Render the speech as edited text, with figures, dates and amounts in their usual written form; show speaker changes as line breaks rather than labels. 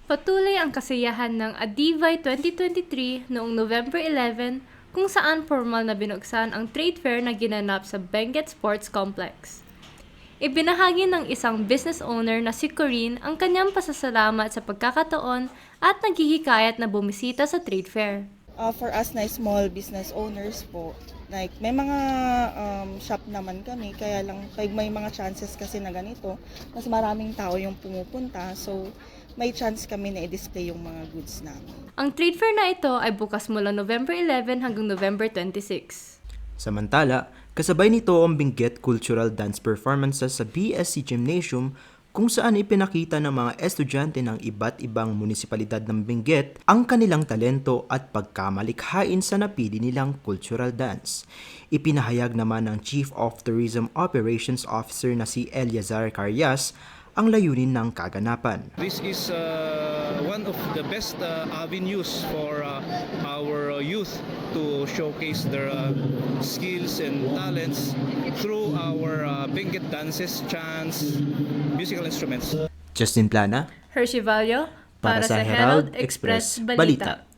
Patuloy ang kasiyahan ng Adivay 2023 noong November 11 kung saan formal na binuksan ang trade fair na ginanap sa Benguet Sports Complex. Ibinahagi ng isang business owner na si Corinne ang kanyang pasasalamat sa pagkakataon at naghihikayat na bumisita sa trade fair.
For us na small business owners po, like may mga shop naman kami, kaya lang pag may mga chances kasi na ganito, mas maraming tao yung pumupunta, so may chance kami na i-display yung mga goods namin.
Ang trade fair na ito ay bukas mula November 11 hanggang November 26.
Samantala, kasabay nito ang Benguet Cultural Dance Performances sa BSC Gymnasium kung saan ipinakita ng mga estudyante ng iba't ibang munisipalidad ng Benguet ang kanilang talento at pagkamalikhain sa napili nilang cultural dance. Ipinahayag naman ng Chief of Tourism Operations Officer na si Eliazar Carias ang layunin ng kaganapan.
This is one of the best avenues for our youth to showcase their skills and talents through our Benguet dances, chants, musical instruments.
Justin Plana,
Hershey Vallo,
para sa Herald Express Balita.